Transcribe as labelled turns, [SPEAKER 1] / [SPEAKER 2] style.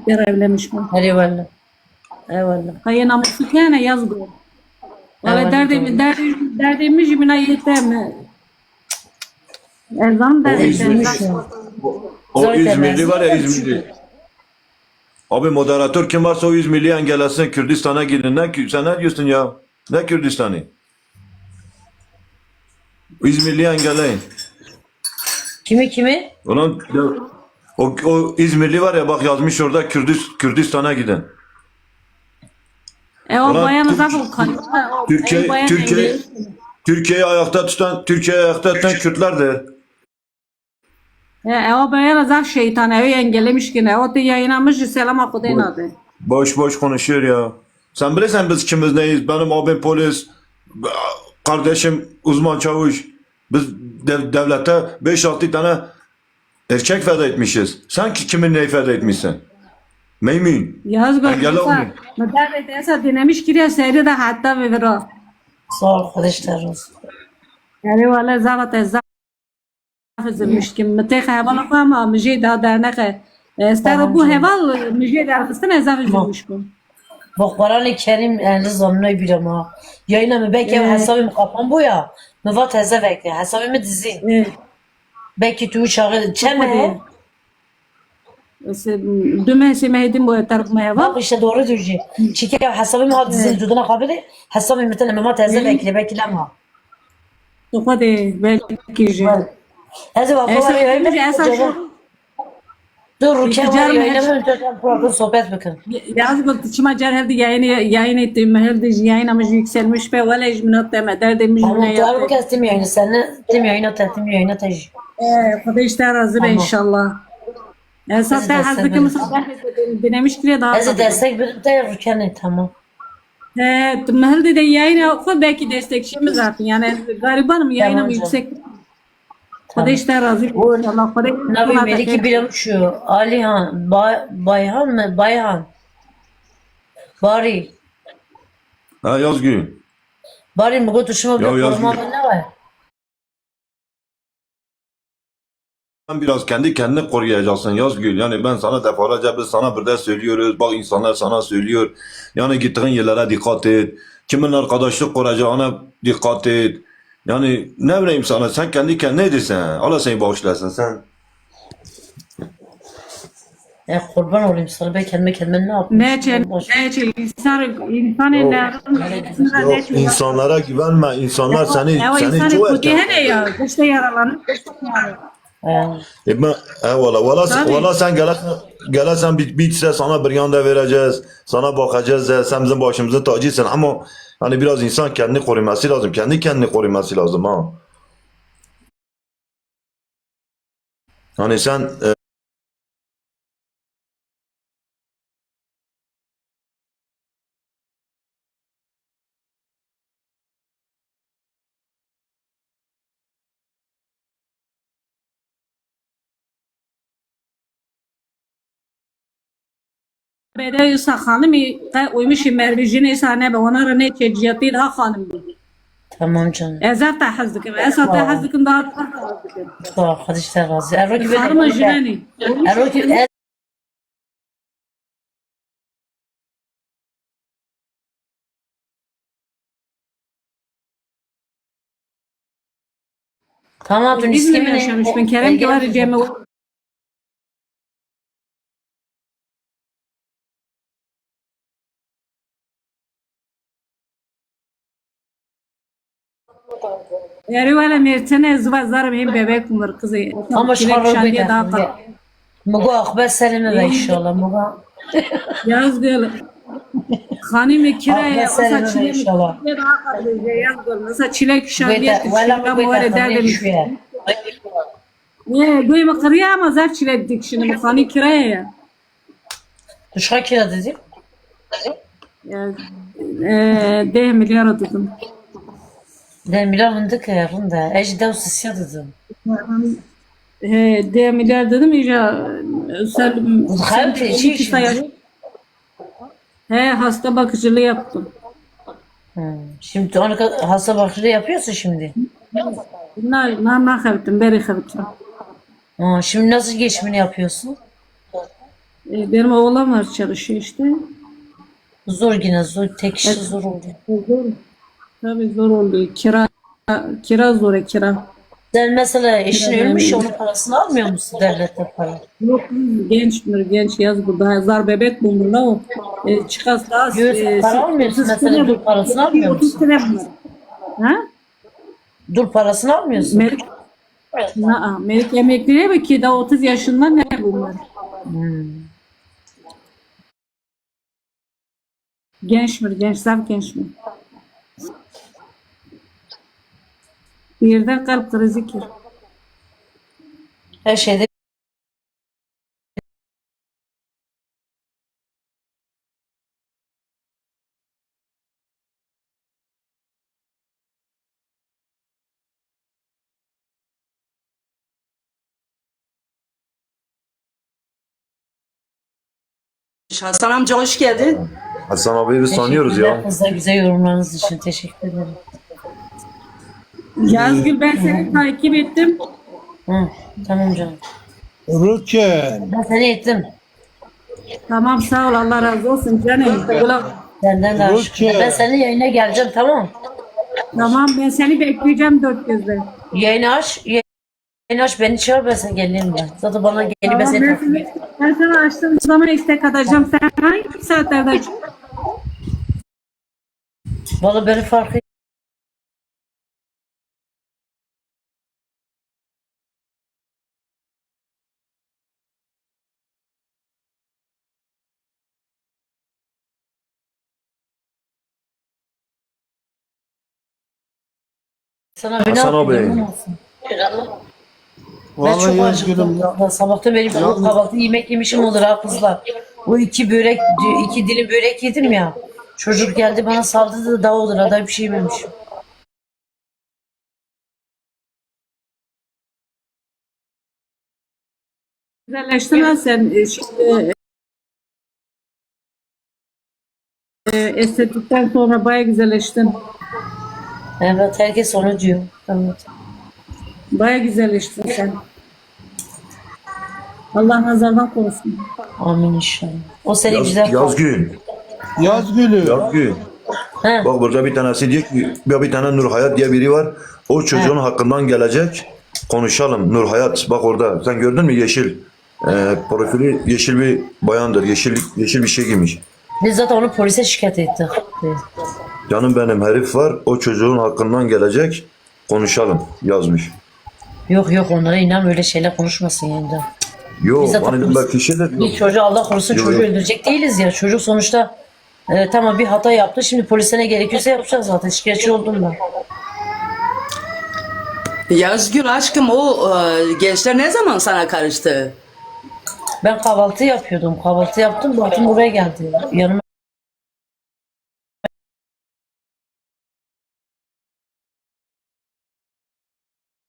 [SPEAKER 1] bir evlenmiş mi?
[SPEAKER 2] Eyvallah. Eyvallah.
[SPEAKER 1] Hayır namusu kene yazgı. Valla
[SPEAKER 2] Eyvallah.
[SPEAKER 1] derdimiz jimina yeter. Ezan derdi.
[SPEAKER 2] Üzülmüş ya.
[SPEAKER 3] O
[SPEAKER 2] Zaten
[SPEAKER 3] İzmirli var ya
[SPEAKER 2] ezan
[SPEAKER 3] İzmirli. Abi moderatör kim varsa o İzmirli engellesin Kürdistan'a gidin. Sen ne diyorsun ya? Ne Kürdistan'ı? İzmirli engelleyin.
[SPEAKER 2] Kimi?
[SPEAKER 3] Ulan o İzmirli var ya bak yazmış orada Kürdistan'a gidin.
[SPEAKER 1] O
[SPEAKER 3] Ulan
[SPEAKER 1] bayan
[SPEAKER 3] Türk-
[SPEAKER 1] zaten kanıyor.
[SPEAKER 3] Türkiye'yi ayakta tutan Kürtlerdir.
[SPEAKER 1] O bayan zaten şeytan evi engellemiş ki ne? O da yayınlamış selam akudayın adı.
[SPEAKER 3] Boş boş konuşuyor ya. Sen bilirsen biz kimiz neyiz? Benim abim polis, kardeşim uzman çavuş. Biz devlete 5-6 tane erkek feda etmişiz. Sen kimin neyi feda etmişsin? Meymin.
[SPEAKER 1] Yaz
[SPEAKER 3] Engel
[SPEAKER 1] görmüşse.
[SPEAKER 3] olmuyor.
[SPEAKER 1] Müdahale ederse dinlemiş ki ya seyri de hatta ve vera.
[SPEAKER 2] Sağ ol arkadaşlar olsun.
[SPEAKER 1] Yani valla zaten üzülmüş ki mtex heval ama müjde daha dernek. Estağfurullah bu heval müjde derkistin ezaf üzülmüş bu.
[SPEAKER 2] Bak Kur'an-ı Kerim en zamanı bir ama. Yayına mı belki hesabım kapan bu ya. Müvat hesap bekle. Hesabımı dizin. Belki tu çağı çeme.
[SPEAKER 1] Dümen semehdim bu taraf heval.
[SPEAKER 2] Bak işte doğru diyecek. Çünkü hesabımı ha dizin duduna kabili. Hesabımı bir tane müvat hesap bekle. Belki lama.
[SPEAKER 1] Hadi belki je.
[SPEAKER 2] Hadi bak. Dur Rukiye var yayına mı önce program sohbet bakın.
[SPEAKER 1] Yaz bu çıma cerherde yayın ettiğim herhalde yayınımız yükselmiş ve valla icminat deme derdim
[SPEAKER 2] Tamam
[SPEAKER 1] icminat
[SPEAKER 2] doğru bu
[SPEAKER 1] yaptı.
[SPEAKER 2] kez tim yayını. Seninle tim yayına tehtim yayına tej.
[SPEAKER 1] Kuda işte razı be inşallah. Esas da hazırlıklı mısabah denemiş ki daha.
[SPEAKER 2] Hadi destek bir de Rukiye'nin tamam.
[SPEAKER 1] Herhalde de yayın oku belki destekçimiz zaten yani garibanım yayınım
[SPEAKER 2] Tamam
[SPEAKER 1] yüksek. Kuda işte razı inşallah.
[SPEAKER 2] Nabi Meliki bilemişiyor. Alihan, Bayhan mı? Bayhan. Bari.
[SPEAKER 3] Ha Yazgül.
[SPEAKER 2] Bari mi götürüşüme bir
[SPEAKER 3] Ya yazmıyor.
[SPEAKER 2] koruma ne var?
[SPEAKER 3] Sen biraz kendi kendini koruyacaksın Yazgül. Yani ben sana defalarca biz sana bir de söylüyoruz. Bak insanlar sana söylüyor. Yani gittiğin yerlere dikkat et. Kimin arkadaşlık kuracağına dikkat et. Yani ne bileyim sana sen kendi kendine edirsen. Allah seni bağışlasın sen.
[SPEAKER 2] Kurban olayım sana ben kendime ne yapayım?
[SPEAKER 1] Ne için insan eller
[SPEAKER 3] İnsanlara güvenme. İnsanlar seni
[SPEAKER 1] insan
[SPEAKER 3] çok
[SPEAKER 1] kötü hele ya işte yaralanır.
[SPEAKER 3] Ben eyvallah.
[SPEAKER 1] Tabii.
[SPEAKER 3] Valla sen gelesen bitse sana bir yanda vereceğiz. Sana bakacağız. Sen bizim başımızın tacısın ama hani biraz insan kendini koruması lazım. Kendi kendini koruması lazım ha. Hani sen
[SPEAKER 1] Bede hanım uymuş mervicini sahne be ona rene çeciyati daha hanım dedi.
[SPEAKER 2] Tamam canım.
[SPEAKER 1] Ezat da hazdıkım. Esat da hazdıkım daha hazdıkım.
[SPEAKER 2] Sağ ol arkadaşlar razı. Erroki
[SPEAKER 1] Hanım jilani.
[SPEAKER 2] Erroki Tamam dün
[SPEAKER 1] İzmir'de
[SPEAKER 2] iskemine.
[SPEAKER 1] yaşamış. Ben Kerem ki var Cem'e Yeri valla mertene zıva zarım hem bebek umur kızı.
[SPEAKER 2] Ama şarıl
[SPEAKER 1] şandiye daha
[SPEAKER 2] bir
[SPEAKER 1] kal.
[SPEAKER 2] Mugo akber selime be inşallah Mugo.
[SPEAKER 1] Yaz gel. Hanım kiraya
[SPEAKER 2] Akber selime be
[SPEAKER 1] çilek
[SPEAKER 2] inşallah.
[SPEAKER 1] daha kal. Yaz gel. Mesela çilek şandiye
[SPEAKER 2] Vela
[SPEAKER 1] kışında
[SPEAKER 2] bu
[SPEAKER 1] muhare
[SPEAKER 2] beta
[SPEAKER 1] derdim.
[SPEAKER 2] şuya.
[SPEAKER 1] Ne duyma kırıya ama zar çilek dik şimdi. Hani kiraya ya.
[SPEAKER 2] Duşa kira dedim.
[SPEAKER 1] Ya, 10 milyar dedim.
[SPEAKER 2] De milyar fındık yarında. Ejder sisya dedim.
[SPEAKER 1] 10 milyar dedim ya. Sen
[SPEAKER 2] Hem peşi
[SPEAKER 1] iki sayar.
[SPEAKER 2] şimdi.
[SPEAKER 1] Hasta bakıcılığı yaptım.
[SPEAKER 2] Şimdi onu hasta bakıcılığı yapıyorsun şimdi.
[SPEAKER 1] Ne yaptım, beri yaptım.
[SPEAKER 2] Şimdi nasıl geçimini yapıyorsun?
[SPEAKER 1] Benim oğlan var çalışıyor işte.
[SPEAKER 2] Zor yine zor. Tek kişi zor oldu.
[SPEAKER 1] Zor. Tabii zor oluyor. Kira zor kira.
[SPEAKER 2] Sen mesela eşin
[SPEAKER 1] Kira
[SPEAKER 2] ölmüş
[SPEAKER 1] vermiyor.
[SPEAKER 2] onun parasını almıyor musun devletten para?
[SPEAKER 1] Yok genç yaz burada. Zar bebek bulunur o. Çıkas daha
[SPEAKER 2] Yok, para almıyorsun mesela dur parasını almıyor
[SPEAKER 1] 30
[SPEAKER 2] musun?
[SPEAKER 1] sene bunlar. Ha?
[SPEAKER 2] Dur parasını almıyorsun.
[SPEAKER 1] Melik, Melik emekliye mi ki daha 30 yaşında ne bunlar? Genç mi? Gençler genç mi? Birden kalp krizi ki.
[SPEAKER 2] Her şeyde
[SPEAKER 4] Hasan amca hoş geldin.
[SPEAKER 3] Hasan abi biz tanıyoruz
[SPEAKER 2] teşekkürler
[SPEAKER 3] ya.
[SPEAKER 2] kızlar güzel yorumlarınız için teşekkür ederim.
[SPEAKER 1] Yazgül ben seni takip ettim.
[SPEAKER 2] Hı, tamam canım.
[SPEAKER 5] Rüken.
[SPEAKER 2] Ben seni ettim.
[SPEAKER 1] Tamam sağ ol Allah razı olsun canım.
[SPEAKER 2] Senden de aşık.
[SPEAKER 5] Rüken.
[SPEAKER 2] Ben senin yayına geleceğim tamam.
[SPEAKER 1] Tamam ben seni bekleyeceğim dört gözle.
[SPEAKER 2] Yayını aç. Yayını aç beni çağır ben sana geleyim ben. Zaten bana gelip ben
[SPEAKER 1] Tamam,
[SPEAKER 2] seni takip
[SPEAKER 1] ben sana açtığım zaman istek atacağım. Sen hangi saatlerde açıyorsun?
[SPEAKER 2] Valla beni fark et. Sana bir ne
[SPEAKER 3] Hasan abi.
[SPEAKER 2] yapayım olsun. Ben
[SPEAKER 5] Vallahi
[SPEAKER 2] çok
[SPEAKER 5] Yazgül'üm
[SPEAKER 2] acıktım. Ya, sabahtan beri bu kahvaltı yemek yemişim olur ha kızlar. Bu iki börek, iki dilim börek yedim ya. Çocuk geldi bana saldırdı da daha olur. Daha bir şey yememişim.
[SPEAKER 1] Güzelleştin ha sen. Şimdi, estetikten sonra baya güzelleştin.
[SPEAKER 2] Evet herkes onu diyor. Evet.
[SPEAKER 1] Baya güzelleştin sen. Allah nazardan korusun.
[SPEAKER 2] Amin inşallah. O seni güzel
[SPEAKER 3] Yazgül.
[SPEAKER 5] Yazgül'üm.
[SPEAKER 3] Yazgül.
[SPEAKER 2] He.
[SPEAKER 3] Bak burada bir tanesi diyor ki ya bir tane Nur Hayat diye biri var. O çocuğun hakkından gelecek. Konuşalım. Nur Hayat bak orada. Sen gördün mü yeşil? Profili yeşil bir bayandır. Yeşil bir şey giymiş.
[SPEAKER 2] Biz zaten onu polise şikayet ettik.
[SPEAKER 3] Canım benim herif var. O çocuğun hakkından gelecek. Konuşalım yazmış.
[SPEAKER 2] Yok yok onlara inan öyle şeyler konuşmasın yayında.
[SPEAKER 3] Yok
[SPEAKER 2] Biz zaten
[SPEAKER 3] bana bak kişi de
[SPEAKER 2] Bir çocuğu Allah korusun
[SPEAKER 3] Yok,
[SPEAKER 2] çocuğu
[SPEAKER 3] yok.
[SPEAKER 2] öldürecek değiliz ya. Çocuk sonuçta tamam bir hata yaptı. Şimdi polise ne gerekiyorsa yapacağız zaten. Şikayetçi oldum ben.
[SPEAKER 4] Yazgül aşkım o gençler ne zaman sana karıştı?
[SPEAKER 2] Ben kahvaltı yapıyordum. Kahvaltı yaptım. Baktım buraya geldi. Yanıma